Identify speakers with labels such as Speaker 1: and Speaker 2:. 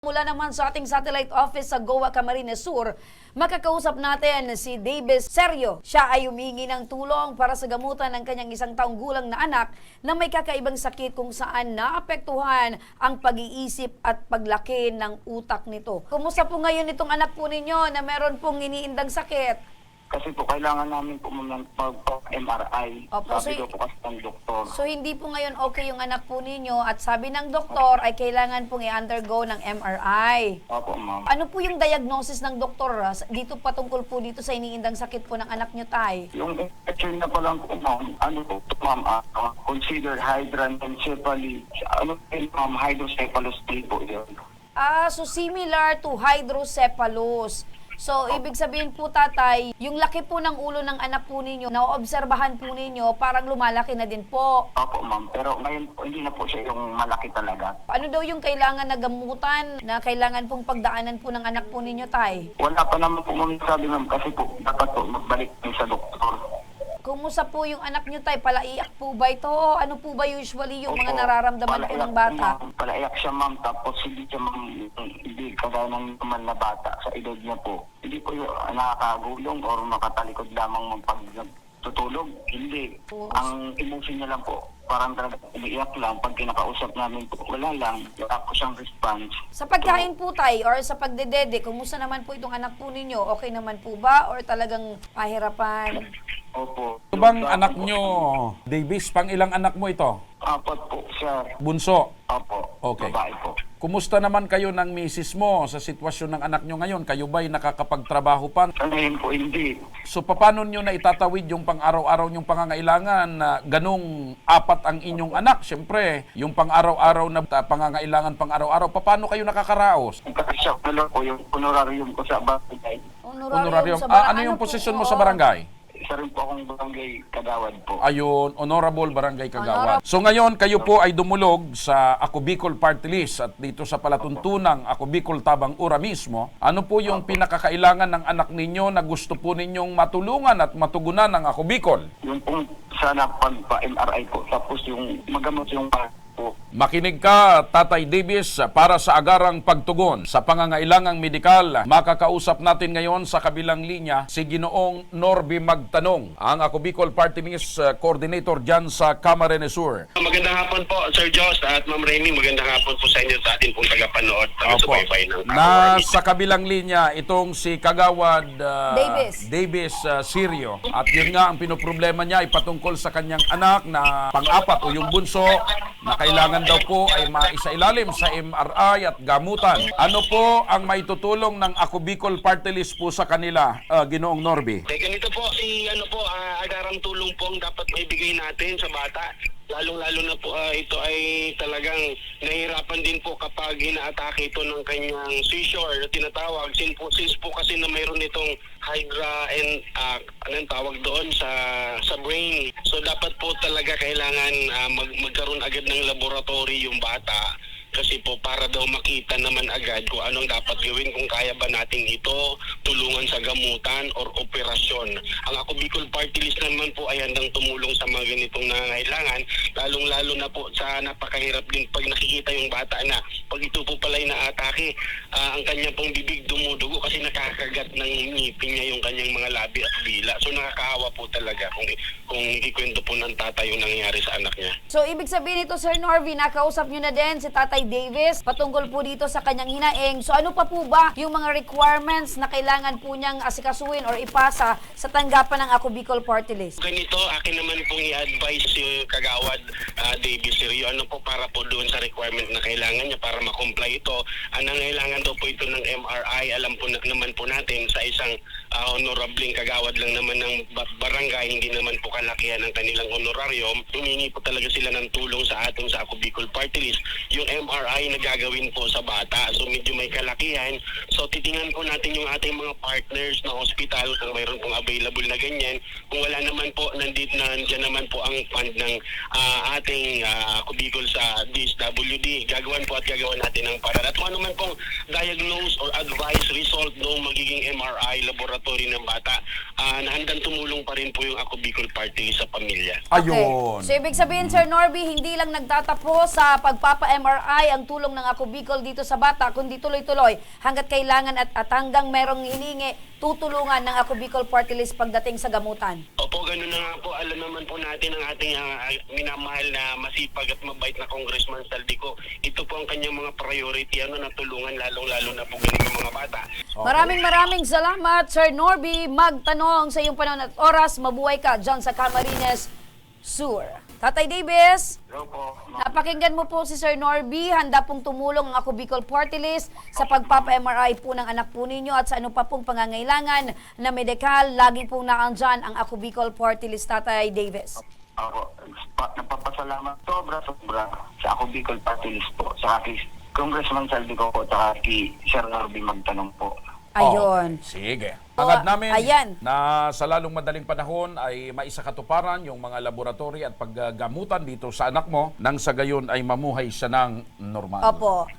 Speaker 1: Mula naman sa ating satellite office sa Goa, Camarines Sur, makakausap natin si Davis Serio. Siya ay humingi ng tulong para sa gamutan ng kanyang 1 taong gulang na anak na may kakaibang sakit kung saan naapektuhan ang pag-iisip at paglaki ng utak nito. Kumusta po ngayon itong anak po ninyo na meron pong iniindang sakit?
Speaker 2: Kasi po, kailangan namin po mag-MRI.
Speaker 1: Opo,
Speaker 2: Sabi daw po kasi ng doktor.
Speaker 1: So hindi po ngayon okay yung anak po ninyo at sabi ng doktor ay kailangan pong i-undergo ng MRI.
Speaker 2: Opo, ma'am.
Speaker 1: Ano po yung diagnosis ng doktor dito patungkol po dito sa iniindang sakit po ng anak nyo, tay?
Speaker 2: Yung infection na pa lang po, ma'am, ano po, ma'am, consider hydranencephaly. Ano po, ma'am, hydrocephalus po yun.
Speaker 1: So similar to hydrocephalus. So, ibig sabihin po, tatay, yung laki po ng ulo ng anak po ninyo, naoobserbahan po ninyo, parang lumalaki na din po.
Speaker 2: Opo, ma'am. Pero ngayon po, hindi na po siya yung malaki talaga.
Speaker 1: Ano daw yung kailangan na gamutan, na kailangan pong pagdaanan po ng anak po ninyo, tay?
Speaker 2: Wala pa naman po, ma'am, sabi, ma'am, kasi po, dapat po magbalik din sa doktor.
Speaker 1: Kumusta po yung anak nyo, tay? Palaiyak po ba ito? Ano po ba usually yung mga
Speaker 2: Opo,
Speaker 1: nararamdaman po ng bata?
Speaker 2: Ma'am, palaiyak siya, mam, tapos hindi siya, ma'am, hindi kagaya ng naman na bata sa edad niya po. Hindi po yung nakakagulong or makatalikod lamang pag tutulog. Hindi. Ang emotion niya lang po, parang talaga umiiyak lang. Pag kinakausap namin po, wala lang. Wala po siyang response.
Speaker 1: Sa pagkain po, tay, or sa pagdedede, kumusta naman po itong anak po ninyo? Okay naman po ba? Or talagang pahirapan?
Speaker 2: Opo.
Speaker 3: Ito bang anak nyo, Davis? Pang ilang anak mo ito?
Speaker 2: 4 po, sir.
Speaker 3: Bunso.
Speaker 2: Opo.
Speaker 3: Okay.
Speaker 2: Babae po.
Speaker 3: Kumusta naman kayo ng misis mo sa sitwasyon ng anak nyo ngayon? Kayo ba'y nakakapagtrabaho pa?
Speaker 2: Sa ngayon po, hindi.
Speaker 3: So paano nyo na itatawid yung pang-araw-araw nyong pangangailangan na ganung 4 ang inyong anak? Siyempre, yung pang-araw-araw na pangangailangan pang-araw-araw, paano kayo nakakaraos?
Speaker 2: Kasi siya pala po yung honorarium ko sa barangay.
Speaker 3: Honorarium.
Speaker 1: sa
Speaker 3: Ano yung
Speaker 1: po?
Speaker 3: posisyon mo sa
Speaker 1: Oo.
Speaker 3: barangay?
Speaker 2: Isa rin po akong barangay Kagawad po.
Speaker 3: Ayun, Honorable Barangay Kagawad. So ngayon, kayo po ay dumulog sa Ako Bicol Party List at dito sa palatuntunang Ako Bicol Tabang Ura mismo. Ano po yung pinakakailangan ng anak ninyo na gusto po ninyong matulungan at matugunan ng Ako Bicol?
Speaker 2: Yung pong sana pagpa-MRI po, tapos yung magamot yung po.
Speaker 3: Makinig ka, Tatay Davis, para sa agarang pagtugon sa pangangailangang medikal. Makakausap natin ngayon sa kabilang linya si Ginoong Norby Magtanong, ang Ako Bicol Party List Coordinator dyan sa Camarines Sur.
Speaker 4: Magandang hapon po, Sir Joss at Ma'am Remy. Magandang hapon po sa inyo sa atin pong tagapanood. Taga-subaybay ng
Speaker 3: Nasa kabilang linya itong si Kagawad
Speaker 1: Davis.
Speaker 3: Sirio. At yun nga ang pinoproblema niya ay patungkol sa kanyang anak na pang-4 o yung bunso na kailangan daw po ay maisailalim sa MRI at gamutan. Ano po ang maitutulong ng Ako Bicol Party List po sa kanila, Ginoong Norby?
Speaker 4: Ganito po, agarang tulong po ang dapat maibigay natin sa bata. Lalong-lalo na po ito ay talagang nahihirapan din po kapag inaatake ito ng kanyang seizure na tinatawag. Since po kasi na mayroon itong hydra and anong tawag doon sa brain. So dapat po talaga kailangan magkaroon agad ng laboratory yung bata. Kasi po para daw makita naman agad kung anong dapat gawin, kung kaya ba natin ito tulungan sa gamutan or operasyon. Ang Ako Bicol Party List naman po ay handang tumulong sa mga ganitong nangangailangan, lalong-lalo na po sa napakahirap din pag nakikita yung bata na pag ito po pala ay naatake, ang kanyang pong bibig dumudugo kasi nakakagat ng ngipin niya yung kanyang mga labi at dila. So nakakahawa po talaga kung ikwento po ng tatay yung nangyayari sa anak niya.
Speaker 1: So, ibig sabihin ito, Sir Norby, nakausap nyo na din si Tatay Davis patungkol po dito sa kanyang hinaing. So, ano pa po ba yung mga requirements na kailangan po niyang asikasuhin or ipasa sa tanggapan ng Ako Bicol Party List?
Speaker 4: Ganito, akin naman pong i-advise si Kagawad Davis Sirio, ano po para po doon sa requirement na kailangan niya para ma-comply ito. Ang nangailangan daw po ito ng MRI, alam po naman po natin sa isang honorabling kagawad lang naman ng barangay, hindi naman po kalakihan ng kanilang honorarium. Humingi po talaga sila ng tulong sa atin sa Ako Bicol Party List. Yung MRI na gagawin po sa bata, so medyo may kalakihan. So titingnan po natin yung ating mga partners na hospital kung mayroon pong available na ganyan. Kung wala naman po, nandiyan naman po ang fund ng ating Ako Bicol sa DSWD. Gagawan po at gagawan natin ng paraan. At kung ano man pong diagnose or advise result ng magiging MRI laboratory ng bata, na handang tumulong pa rin po yung Ako Bicol Party List sa pamilya.
Speaker 3: Ayun.
Speaker 1: So, ibig sabihin, Sir Norby, hindi lang nagtatapos sa pagpapa-MRI ang tulong ng Ako Bicol dito sa bata, kundi tuloy-tuloy hanggat kailangan at hanggang merong hiningi, tutulungan ng Ako Bicol Party List pagdating sa gamutan.
Speaker 4: Opo, ganun na nga po. Alam naman po natin ang ating minamahal na masipag at mabait na Congressman Saldico. Ito po ang kanyang mga priority, na tulungan lalong-lalo na po ganitong mga bata.
Speaker 1: Maraming salamat, Sir Norby. Magtanong sa iyong panahon at oras. Mabuhay ka dyan sa Camarines Sur. Tatay Davis,
Speaker 2: Hello po.
Speaker 1: napakinggan mo po si Sir Norby. Handa pong tumulong ang Ako Bicol Party List sa pagpapa-MRI po ng anak po ninyo at sa ano pa pong pangangailangan na medikal. Lagi pong naandyan ang Ako Bicol Party List, Tatay Davis.
Speaker 2: Ako, napapasalamat sobra sa Ako Bicol Party List po. Sa kay Congressman Saldico po, at kay Sir Norby magtanong po.
Speaker 1: Ayun.
Speaker 3: Sige. Hangad namin
Speaker 1: Ayan.
Speaker 3: na sa lalong madaling panahon ay maisakatuparan yung mga laboratory at paggamutan dito sa anak mo nang sa gayon ay mamuhay siya ng normal.
Speaker 1: Opo.